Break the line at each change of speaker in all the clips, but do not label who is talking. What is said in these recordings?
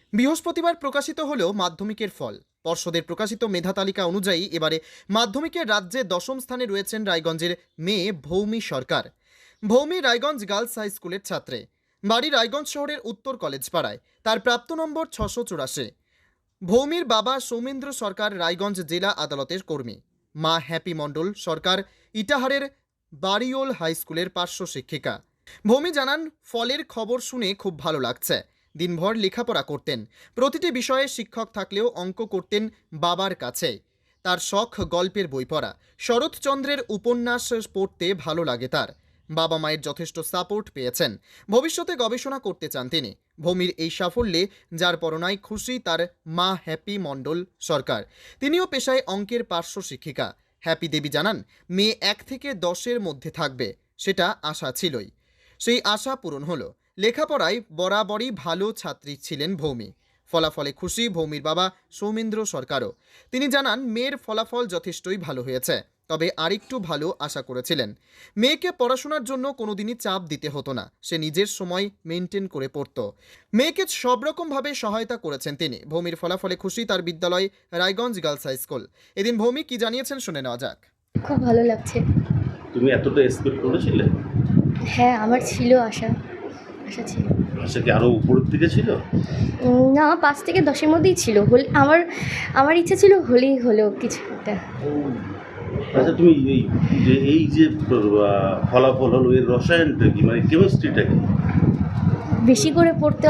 বৃহস্পতিবার প্রকাশিত হল মাধ্যমিকের ফল। পর্ষদের প্রকাশিত মেধা তালিকা অনুযায়ী এবারে মাধ্যমিকের রাজ্যে দশম স্থানে রয়েছেন রায়গঞ্জের মেয়ে ভৌমি সরকার। ভৌমি রায়গঞ্জ গার্লস হাই স্কুলের ছাত্রে, বাড়ি রায়গঞ্জ শহরের উত্তর কলেজ পাড়ায়। তার প্রাপ্ত নম্বর 684। ভৌমির বাবা সৌমেন্দ্র সরকার রায়গঞ্জ জেলা আদালতের কর্মী। মা হ্যাপি মণ্ডল সরকার ইটাহারের বাড়িওল হাই স্কুলের পার্শ্ব শিক্ষিকা। ভৌমি জানান, ফলের খবর শুনে খুব ভালো লাগছে। দিনভর লেখাপড়া করতেন, প্রতিটি বিষয়ে শিক্ষক থাকলেও অঙ্ক করতেন বাবার কাছে। তার শখ গল্পের বই পড়া, শরৎচন্দ্রের উপন্যাস পড়তে ভালো লাগে তার। বাবা মায়ের যথেষ্ট সাপোর্ট পেয়েছেন। ভবিষ্যতে গবেষণা করতে চান তিনি। ভৌমির এই সাফল্যে যার পরনায় খুশি তার মা হ্যাপি মণ্ডল সরকার। তিনিও পেশায় অঙ্কের পার্শ্ব শিক্ষিকা। হ্যাপি দেবী জানান, মেয়ে 1 থেকে 10-এর মধ্যে থাকবে, সেটা আশা ছিলই। সেই আশা পূরণ হলো। লেখাপড়ায় বরাবরই ভালো ছাত্রী ছিলেন ভৌমি। ফলাফলে খুশি ভৌমির বাবা সৌমেন্দ্র সরকারও। তিনি জানান, মেয়ের ফলাফল যথেষ্টই ভালো হয়েছে, তবে আরেকটু ভালো আশা করেছিলেন। মেয়েকে পড়াশোনার জন্য কোনোদিনই চাপ দিতে হতো না, সে নিজের সময় মেনটেন করে পড়ত। মেয়েকে সব রকমভাবে সহায়তা করেছেন তিনি। ভৌমির ফলাফলে খুশি তার বিদ্যালয় রায়গঞ্জ গার্লস হাই স্কুল। এদিন ভৌমি কি জানিয়েছেন শুনে নেওয়া যাক।
খুব ভালো লাগছে।
তুমি এতটা এক্সপেক্ট করেছিলে?
হ্যাঁ, আমার ছিল আশা ছিল।
আশা কি আরো উপরের দিকে ছিল?
না, 5 থেকে 10-এর মধ্যেই ছিল। আমার ইচ্ছা ছিল হলেই হলো কিছু একটা।
আচ্ছা, তুমি এই যে ফলাফল হলো, এর রসায়নটা কি, মানে কেমিস্ট্রিটা কি?
বেশি করে পড়তে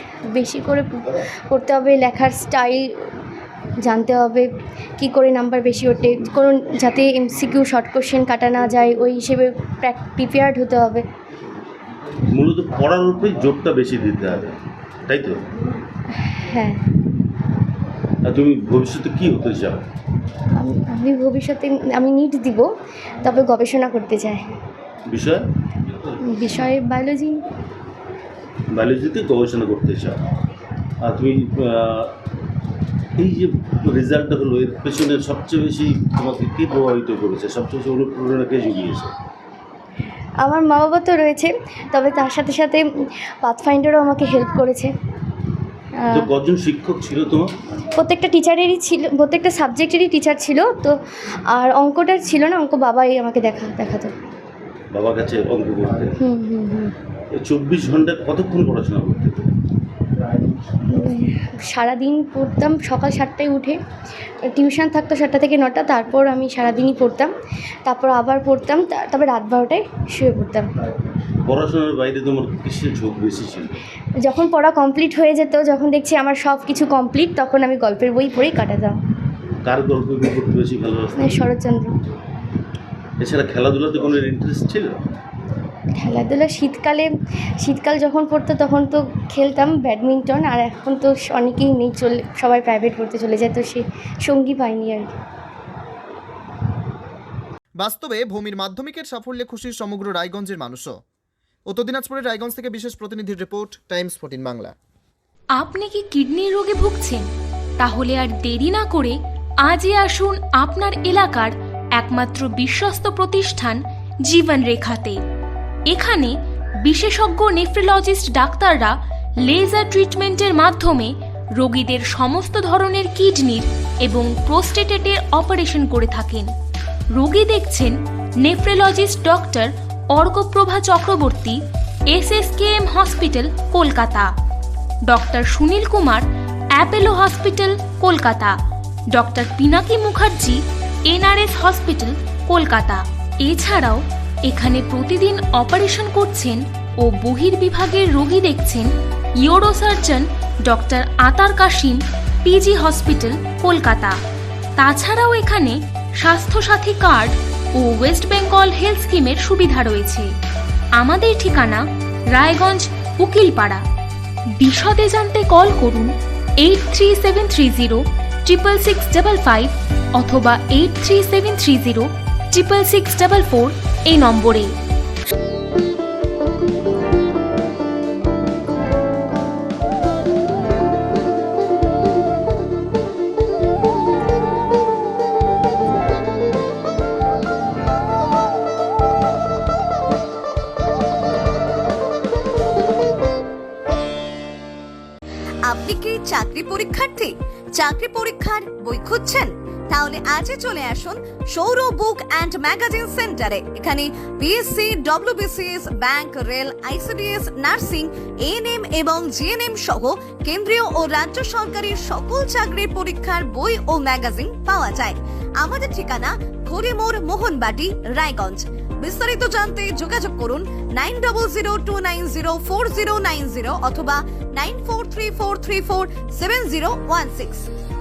হবে, লেখার স্টাইল জানতে হবে, কি করে নাম্বার বেশি ওঠে, কোনো যাতে এমসিকিউ শর্ট কোশ্চেন কাটা না যায়, ওই হিসেবে প্রিপেয়ার্ড হতে হবে।
মূলত পড়ার উপরেই জোরটা বেশি দিতে হবে, তাই তো?
হ্যাঁ।
আর তুমি ভবিষ্যতে কি হতে চাও?
আমি ভবিষ্যতে নিট দিব, তবে গবেষণা করতে চাই। বিষয়ে
বায়োলজিতে গবেষণা করতে চাও। আর তুমি এই যে রেজাল্টটা হলো, এর পেছনে সবচেয়ে বেশি তোমাকে কী প্রভাবিত করেছে, সবচেয়ে বেশি অনুপ্রেরণা কে জুগিয়েছে?
আমার মা বাবা তো রয়েছে, তবে তার সাথে সাথে পাথফাইন্ডারও আমাকে হেল্প করেছে।
তো কজন শিক্ষক ছিল তোমার?
প্রত্যেকটা সাবজেক্টেরই টিচার ছিল তো। আর অঙ্কটার ছিল না, অঙ্ক বাবাই আমাকে দেখাতো।
বাবার কাছে অঙ্ক করতে? 24 ঘন্টায় কতক্ষণ পড়াশোনা করতে?
সারাদিন পড়তাম, সকাল 7টায় উঠে। টিউশন থাকতো 7টা থেকে 9টা, তারপর আমি সারাদিনই পড়তাম, তারপর আবার পড়তাম, তারপর রাত 12টায় শুয়ে পড়তাম।
পড়াশোনার বাইরে তোমার কিসের ঝোঁক বেশি ছিল?
যখন পড়া কমপ্লিট হয়ে যেত, যখন দেখছি আমার সব কিছু কমপ্লিট, তখন আমি গল্পের বই পড়েই কাটাতাম।
কার গল্প বই পড়তে বেশি ভালোবাসতে?
শরৎচন্দ্র।
এছাড়া খেলাধুলাতে কোনো ইন্টারেস্ট ছিল?
খেলাধুলা শীতকাল যখন পড়তো তখন তো খেলতাম ব্যাডমিন্টন, আর এখন তো অনেকেই নেই, সবাই প্রাইভেট পড়তে চলে যায়, তো সে সঙ্গী পাইনি আর কি।
বাস্তবে ভূমির মাধ্যমিকের সাফল্যে খুশি সমগ্র রায়গঞ্জের মানুষও। উত্তর দিনাজপুরের রায়গঞ্জ থেকে বিশেষ প্রতিনিধির রিপোর্ট, টাইমস 14 বাংলা।
আপনি কি কিডনির রোগে ভুগছেন? তাহলে আর দেরি না করে আজই আসুন আপনার এলাকার একমাত্র বিশ্বস্ত প্রতিষ্ঠান জীবন রেখাতে। এখানে বিশেষজ্ঞ নেফ্রোলজিস্ট ডাক্তাররা লেজার ট্রিটমেন্টের মাধ্যমে রোগীদের সমস্ত ধরনের কিডনির এবং প্রোস্টেটেটের অপারেশন করে থাকেন। রোগী দেখছেন nephrologist doctor Arkaprabha Chakraborty, SSKM hospital, Kolkata. Doctor Sunil Kumar, Apollo hospital, Kolkata. Doctor Pinaki Mukherjee, NRS hospital, Kolkata. এছাড়াও এখানে প্রতিদিন অপারেশন করছেন ও বহির্বিভাগের রোগী দেখছেন ইউরোসার্জন ডক্টর আতার কাশিম, PG হসপিটাল, কলকাতা। তাছাড়াও এখানে স্বাস্থ্যসাথী কার্ড ও ওয়েস্ট বেঙ্গল হেলথ স্কিমের সুবিধা রয়েছে। আমাদের ঠিকানা রায়গঞ্জ উকিলপাড়া। বিশদে জানতে কল করুন 8373066655 অথবা 8373066644 এই নম্বরে।
আপনি কি চাকরি পরীক্ষার্থী? চাকরি পরীক্ষার বই খুঁজছেন? তাহলে আজই চলে আসুন সৌর বুক অ্যান্ড ম্যাগাজিন সেন্টারে। এখানে BSc, WBCS, bank, rail, ICDS, nursing, ANM এবং জিএনএম সহ কেন্দ্রীয় ও রাজ্য সরকারের সকল চাকরির পরীক্ষার বই ও ম্যাগাজিন পাওয়া যায়। আমাদের ঠিকানা খড়িমোড়, মোহনবাটি, রায়গঞ্জ। বিস্তারিত জানতে যোগাযোগ করুন 9002904090 অথবা 9434347016।